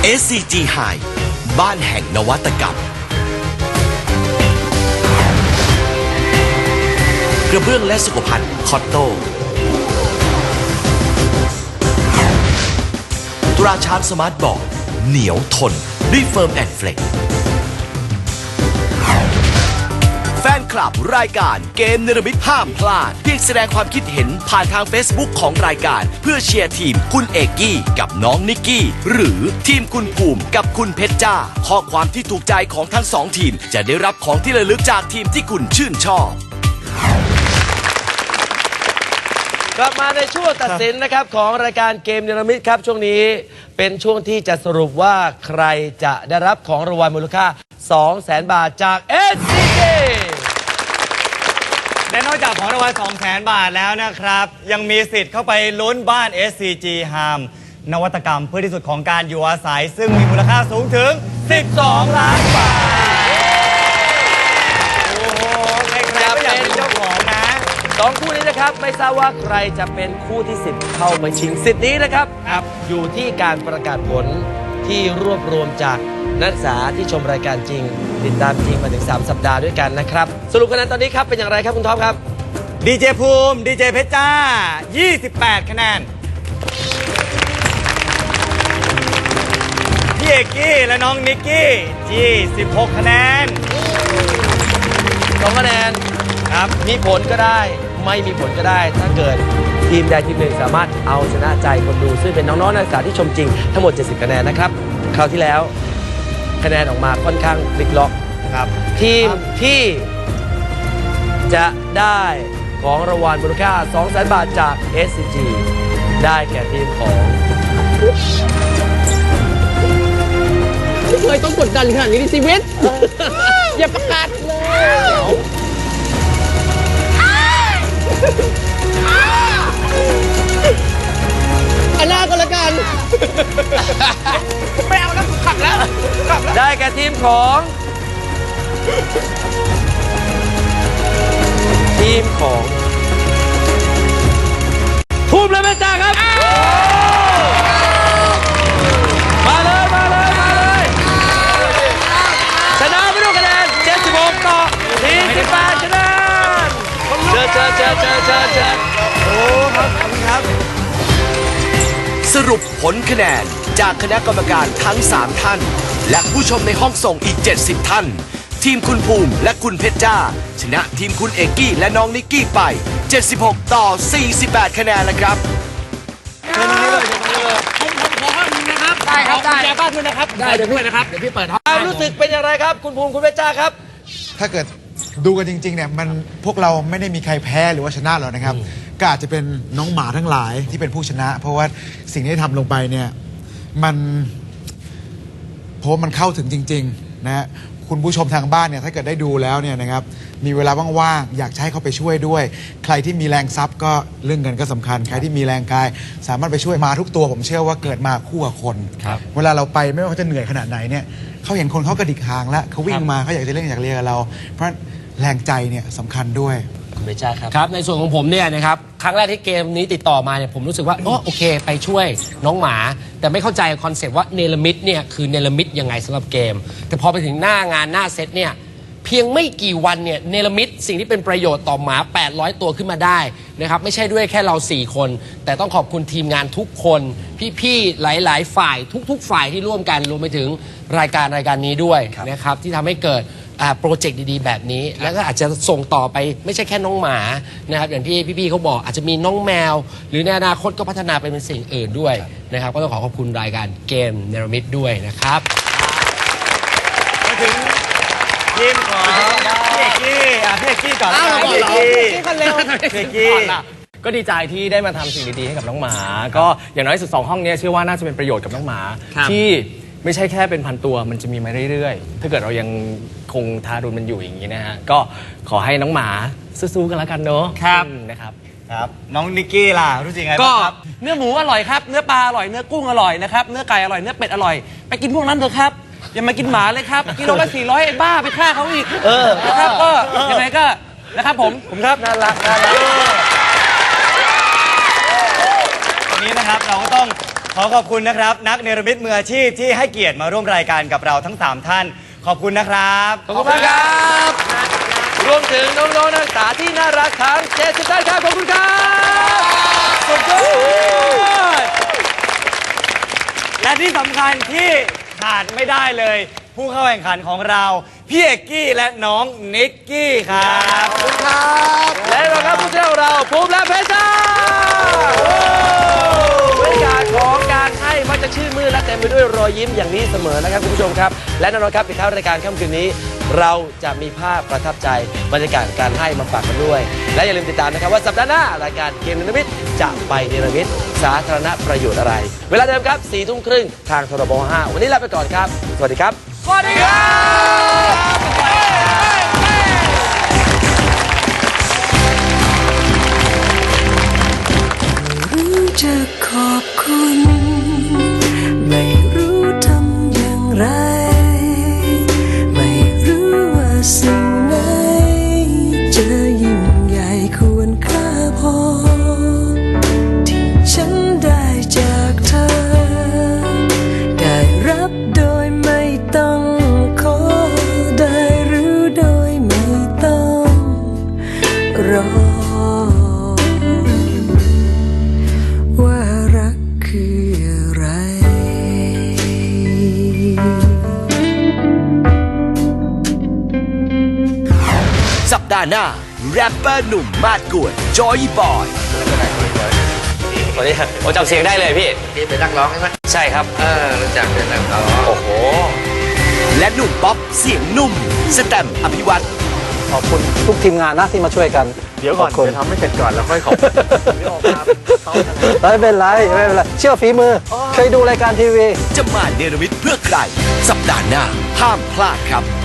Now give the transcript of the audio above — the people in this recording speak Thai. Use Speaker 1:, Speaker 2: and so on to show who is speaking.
Speaker 1: SCG High บ้านแห่งนวัตกรรมกระเบื้องและสุขภัณฑ์คอตโต้ตราช้างสมาร์ทบอร์ดเหนียวทนด้วยเฟิร์มแอนด์เฟลกแฟนคลับรายการเกมเนรมิตห้ามพลาดเพียงแสดงความคิดเห็นผ่านทาง Facebook ของรายการเพื่อเชียร์ทีมคุณเอกกี้กับน้องนิกกี้หรือทีมคุณภูมิกับคุณเพชรจ้าข้อความที่ถูกใจของทั้งสองทีมจะได้รับของที่ระลึกจากทีมที่คุณชื่นชอบ
Speaker 2: กลับมาในช่วงตัดสินนะครับของรายการเกมเนรมิตครับช่วงนี้เป็นช่วงที่จะสรุปว่าใครจะได้รับของรางวัลมูลค่า 200,000 บาทจาก SCG
Speaker 3: และนอกจากของรางวัล 200,000 บาทแล้วนะครับยังมีสิทธิ์เข้าไปลุ้นบ้าน SCG Harm นวัตกรรมเพื่อที่สุดของการอยู่อาศัยซึ่งมีมูลค่าสูงถึง12 ล้านบาทโอ้โหใครๆก็อยากเป็นเจ้าของนะ
Speaker 2: 2 คู่นี้นะครับไม่ทราบว่าใครจะเป็นคู่ที่10เข้ามาชิงสิทธิ์นี้นะครับอยู่ที่การประกาศผลที่รวบรวมจากนักศึกษาที่ชมรายการจริงติดตามจริงมาถึง3สัปดาห์ด้วยกันนะครับสรุปคะแนนตอนนี้ครับเป็นอย่างไรครับคุณท็อปครับ
Speaker 3: ดีเจภูมิดีเจเพชรจ้า28 คะแนนพี่เอกกี้และน้องนิกกี้16 คะแนน
Speaker 2: 2 คะแนนครับมีผลก็ได้ไม่มีผลก็ได้ถ้าเกิดทีมใดทีมหนึ่งสามารถเอาชนะใจคนดูซึ่งเป็นน้องๆนักศึกษาที่ชมจริงทั้งหมด70 คะแนนนะครับคราวที่แล้วคะแนนออกมาค่อนข้างพลิกล็อกครับทีมที่จะได้ของรางวัลมูลค่า 200,000 บาทจาก SCG ได้แก่ทีมของ
Speaker 4: ไม่เคยต้องกดดันขนาดนี้ในชีวิตอย่าประกาศเลยอันหน้าก็แล้วกันไม่เอาแล้วขับแล้ว
Speaker 2: ได้แก่ทีมของภูมิและเพชรจ้าครับมาเลยชนะไปด้วยคะแนน76 ต่อ 48 คะแนนเชิญ
Speaker 3: โอ้ครับขอบคุณครับ
Speaker 1: สรุปผลคะแนนจากคณะกรรมการทั้ง3ท่านและผู้ชมในห้องส่งอีก70ท่านทีมคุณภูมิและคุณเพชรจ้าชนะทีมคุณเอกกี้และน้องนิกกี้ไป76 ต่อ 48 คะแนนแล้วครับ
Speaker 4: ผมขอข้อมูลนะครับได้ครับได้แจบ้านด้วยนะครับได้เดี๋ยวพี่เปิดห้อง
Speaker 2: รู้สึกเป็นอย่างไรครับคุณภูมิคุณเพชรจ้าครับ
Speaker 5: ถ้าเกิดดูกันจริงๆเนี่ยมันพวกเราไม่ได้มีใครแพ้หรือว่าชนะหรอกนะครับก็อาจจะเป็นน้องหมาทั้งหลายที่เป็นผู้ชนะเพราะว่าสิ่งที่ทำลงไปเนี่ยมันเพราะมันเข้าถึงจริงๆนะคุณผู้ชมทางบ้านเนี่ยถ้าเกิดได้ดูแล้วเนี่ยนะครับมีเวลาว่างๆอยากให้เขาไปช่วยด้วยใครที่มีแรงทรัพย์ก็เรื่องเงินก็สำคัญใครที่มีแรงกายสามารถไปช่วยมาทุกตัวผมเชื่อว่าเกิดมาคู่กับคนเวลาเราไปไม่ว่าเขาจะเหนื่อยขนาดไหนเนี่ยเขาเห็นคนเขากระดิกหางแล้วเขาวิ่งมาเขาอยากจะเล่นอยากเรียนกับเราเพราะแรงใจเนี่ยสำคัญด้วย
Speaker 2: คุณเพชรจ้าครับ
Speaker 4: ครับในส่วนของผมเนี่ยนะครับครั้งแรกที่เกมนี้ติดต่อมาเนี่ยผมรู้สึกว่าโอเคไปช่วยน้องหมาแต่ไม่เข้าใจคอนเซปต์ว่าเนรมิตเนี่ยคือเนรมิตยังไงสำหรับเกมแต่พอไปถึงหน้างานหน้าเซตเนี่ยเพียงไม่กี่วันเนี่ยเนรมิตสิ่งที่เป็นประโยชน์ต่อหมา800 ตัวขึ้นมาได้นะครับไม่ใช่ด้วยแค่เรา4 คนแต่ต้องขอบคุณทีมงานทุกคนพี่ๆหลายๆฝ่ายทุกๆฝ่ายที่ร่วมกันรวมไปถึงรายการนี้ด้วยนะครับที่ทำให้เกิดโปรเจกต์ดีๆแบบนี้แล้วก็อาจจะส่งต่อไปไม่ใช่แค่น้องหมานะครับอย่างที่พี่ๆเขาบอกอาจจะมีน้องแมวหรือในอนาคตก็พัฒนาไปเป็นสิ่งอื่นด้วยนะครับก็ต้องขอบคุณรายการเกมเนรมิตด้วยนะครับ
Speaker 3: มาถึงทีมของพี่เอกกี้ก่อนพี่เอกกี้คนเร็วพี่เอกกี้
Speaker 6: ก็ดีใจที่ได้มาทำสิ่งดีๆให้กับน้องหมาก็อย่างน้อยสุด2 ห้องนี้เชื่อว่าน่าจะเป็นประโยชน์กับน้องหมาที่ไม่ใช่แค่เป็นพันตัวมันจะมีมาเรื่อยๆถ้าเกิดเรายังคงทารุณมันอยู่อย่างนี้นะฮะก็ขอให้น้องหมาสู้ๆกันแล้วกันเนาะ
Speaker 3: ครับ
Speaker 6: นะครับ
Speaker 3: ครับน้องนิกกี้ล่ะรู้สึกไงบ้างครับ
Speaker 6: เนื้อหมูอร่อยครับเนื้อปลาอร่อยเนื้อกุ้งอร่อยนะครับเนื้อไก่อร่อยเนื้อเป็ดอร่อยไปกินพวกนั้นเถอะครับอย่ามากินหมาเลยครับกิโลละ400ไอ้บ้าไปฆ่าเขาอีกนะครับก็ยังไงก็นะครับผม
Speaker 2: ครับน่ารัก
Speaker 3: วันนี้นะครับเราก็ต้องขอขอบคุณนะครับ นักเนรมิตมืออาชีพที่ให้เกียรติมาร่วมรายการกับเราทั้ง 3 ท่าน ขอบคุณนะครับ
Speaker 2: ขอบคุณมากครับ รวมถึงน้องๆนักศึกษาที่น่ารักทั้ง70ท่านครับ ขอบคุณครับ
Speaker 3: สุดยอดและที่สำคัญที่ขาดไม่ได้เลย ผู้เข้าแข่งขันของเรา พี่เอกกี้และน้องนิกกี้ครับ
Speaker 2: ขอบคุณครับ และเราครับผู้เชี่ยวเราภูมิและเพชรจ้าบรรยากาศของการให้มักจะชื่นมื่นและเต็มไปด้วยรอยยิ้มอย่างนี้เสมอนะครับคุณผู้ชมครับ และแน่นอนครับปิดท้ายรายการค่ำคืนนี้ เราจะมีภาพประทับใจบรรยากาศการให้มาฝากกันด้วย และอย่าลืมติดตามนะครับว่าสัปดาห์หน้ารายการเกมเนรมิตจะไปเนรมิตสาธารณประโยชน์อะไร เวลาเดิมครับ4 ทุ่มครึ่งทางทรบ5วันนี้ลาไปก่อนครับสวัสดีครับสวัสดีครับ
Speaker 7: รู้จะขอบคุณ ไม่รู้ทำอย่างไร ไม่รู้ว่าสิ่งไหนจะยิ่งใหญ่ควรค่าพอ ที่ฉันได้จากเธอ ได้รับโดยไม่ต้องขอ ได้รู้โดยไม่ต้องรอ ว่ารักคืออะไร
Speaker 1: สัปดาห์หน้าแรปเปอร์หนุ่มมาดกวนจอยบอย
Speaker 2: สวัสดีครับผมจำเสียงได้เลยพี่พี่เป็นนักร้องใช่ไหมใช่ครับรู้จักเป็นนักร้องโอ้โห
Speaker 1: และหนุ่มป๊อปเสียงนุ่ม สแตมป์อภิวัตร
Speaker 8: ขอบคุณทุกทีมงานนะที่มาช่วยกัน
Speaker 6: เดี๋ยวก่อน
Speaker 8: ขบคุณ
Speaker 6: เดี๋ยวทำให้เสร็จก่อนแล้วค่อยขอบ
Speaker 8: ไม่เป็นไรไม่เป็นไรเชื่อฝีมือ เคยดูรายการทีวี
Speaker 1: จะมาเนรมิตเพื่อใคร สัปดาห์หน้าห้ามพลาดครับ